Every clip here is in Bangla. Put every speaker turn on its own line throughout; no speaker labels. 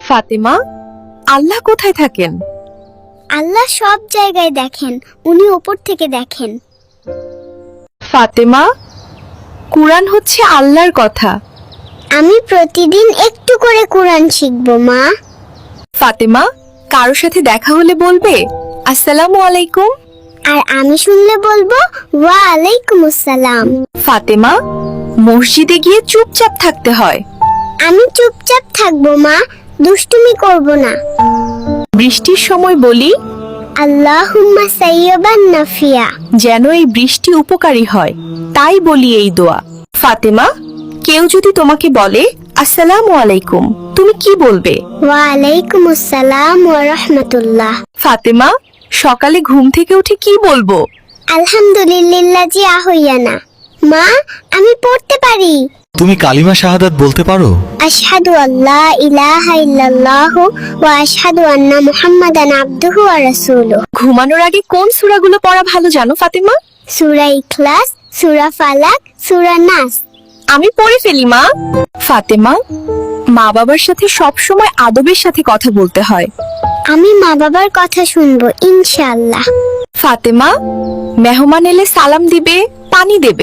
ফাতেমা, আল্লাহ কোথায় থাকেন?
আল্লাহ সব জায়গায় দেখেন, উনি উপর থেকে দেখেন।
ফাতেমা, কুরআন হচ্ছে আল্লাহর কথা।
আমি প্রতিদিন একটু করে কোরআন শিখব মা।
ফাতেমা, কারো সাথে দেখা হলে বলবে আসসালামু আলাইকুম।
আর আমি শুনলে বলবো ওয়া আলাইকুম আসসালাম।
ফাতেমা, মসজিদে গিয়ে চুপচাপ থাকতে হয়।
আমি চুপচাপ থাকবো মা, দুষ্টুমি করব না।
বৃষ্টির সময় বলি
আল্লাহুম্মা সাইয়্যিবান নাফিয়া।
যেন এই বৃষ্টি উপকারী হয়, তাই বলি এই দোয়া। ফাতেমা, কেউ যদি তোমাকে বলে আসসালামু আলাইকুম, তুমি কি বলবে?
ওয়া আলাইকুম আসসালাম ওয়া রাহমাতুল্লাহ।
ফাতেমা, সকালে ঘুম থেকে উঠে কি বলবো?
আলহামদুলিল্লাহি আহইয়ানা। মা, আমি পড়তে পারি।
তুমি কালিমা শাহাদাত বলতে পারো?
আশহাদু আল্লা ইলাহা ইল্লাল্লাহু ওয়া আশহাদু আন্না মুহাম্মাদান আবদুহু ওয়া রাসূলুহু।
ঘুমানোর আগে কোন সূরাগুলো পড়া ভালো জানো ফাতেমা?
সূরা ইখলাস, সূরা ফালাক, সূরা নাস।
আমি পড়ে ফেলি মা। ফাতেমা, মা বাবার সাথে সব সময় আদবের সাথে কথা বলতে হয়।
আমি মা বাবার কথা শুনবো ইনশাআল্লাহ।
ফাতেমা, মেহমান এলে সালাম দিবে, পানি দেবে।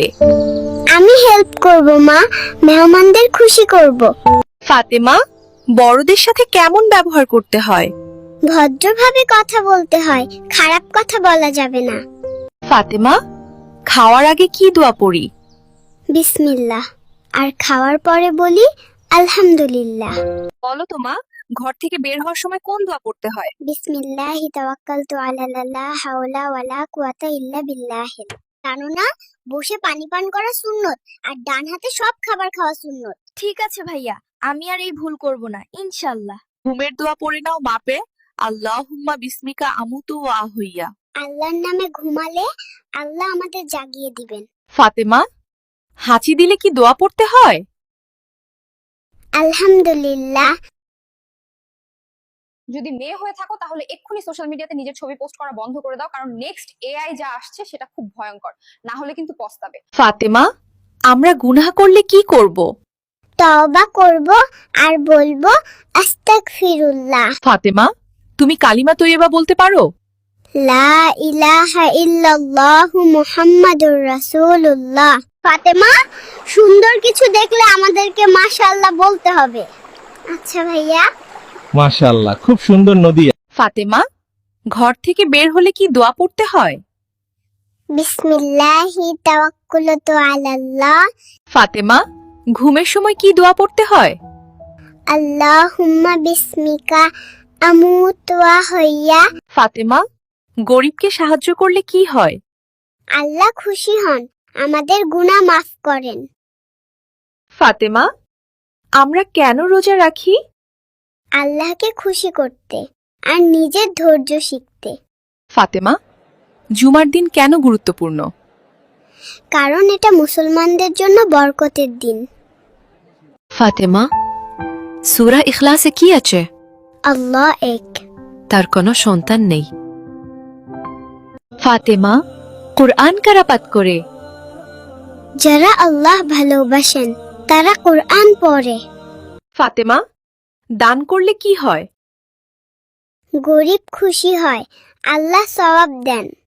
আমি হেল্প করব মা, মেহমানদের খুশি করব।
ফাতেমা, বড়দের সাথে কেমন ব্যবহার করতে হয়?
ভদ্রভাবে কথা বলতে হয়, খারাপ কথা বলা যাবে না।
ফাতেমা, খাওয়ার আগে কি দোয়া পড়ি?
বিসমিল্লাহ। আর খাওয়ার পরে বলি আলহামদুলিল্লাহ।
বলো তো মা, ঘর থেকে বের হওয়ার সময় কোন দোয়া পড়তে হয়?
বিসমিল্লাহি তাওয়াক্কালতু আলা লা হাওলা ওয়ালা কুওয়াতা ইল্লা বিল্লাহ। জানো না, বসে পানি পান করা সুন্নত, আর ডান হাতে সব খাবার খাওয়া সুন্নত।
ঠিক আছে ভাইয়া, আমি আর এই ভুল করব না ইনশাআল্লাহ।
ঘুমের দোয়া পড়ে নাও মাপে, আল্লাহুম্মা বিসমিকা আমুতু ওয়া আহইয়া।
আল্লাহর নামে ঘুমালে আল্লাহ আমাদের জাগিয়ে দিবেন।
ফাতেমা, হাঁচি দিলে কি দোয়া পড়তে হয়?
আলহামদুলিল্লাহ।
যদি মেয়ে হয়ে থাকো তাহলে এক্ষুনি সোশ্যাল মিডিয়াতে নিজের ছবি পোস্ট করা বন্ধ করে দাও, কারণ নেক্সট এআই যা আসছে সেটা খুব ভয়ঙ্কর, না হলে কিন্তু পস্তাবে।
ফাতেমা, আমরা গুনাহ করলে কি করব?
তওবা করব আর বলবো আস্তাগফিরুল্লাহ।
ফাতেমা, তুমি কালিমা তৈয়বা বলতে পারো?
লা ইলাহা ইল্লাল্লাহু মুহাম্মাদুর রাসূলুল্লাহ। ফাতেমা, সুন্দর কিছু দেখলে আমাদেরকে মাশাআল্লাহ বলতে হবে। আচ্ছা ভাইয়া।
মাশাআল্লাহ, খুব সুন্দর নদী।
ফাতেমা, ঘর থেকে বের হলে কি দোয়া পড়তে হয়?
বিসমিল্লাহি তাওয়াক্কালতু আলাল্লাহ।
ফাতেমা, ঘুমের সময় কি দোয়া পড়তে হয়?
আল্লাহুম্মা বিসমিকা আমুতু ওয়া আহইয়া।
ফাতেমা, গরিবকে সাহায্য করলে কি হয়?
আল্লাহ খুশি হন, আমাদের গুনাহ মাফ করেন।
ফাতেমা, আমরা কেন রোজা রাখি?
আল্লাহকে খুশি করতে আর নিজের ধৈর্য শিখতে।
ফাতেমা, জুমার দিন কেন গুরুত্বপূর্ণ?
কারণ এটা মুসলমানদের জন্য বরকতের দিন।
ফাতেমা, সূরা ইখলাসে কি আছে?
আল্লাহ এক,
তার কোনো সন্তান নেই।
ফাতেমা, কুরআন কারা পাঠ করে?
যারা আল্লাহ ভালোবাসেন তারা কোরআন পড়ে।
ফাতেমা, দান করলে কি হয়?
গরিব খুশি হয়, আল্লাহ সওয়াব দেন।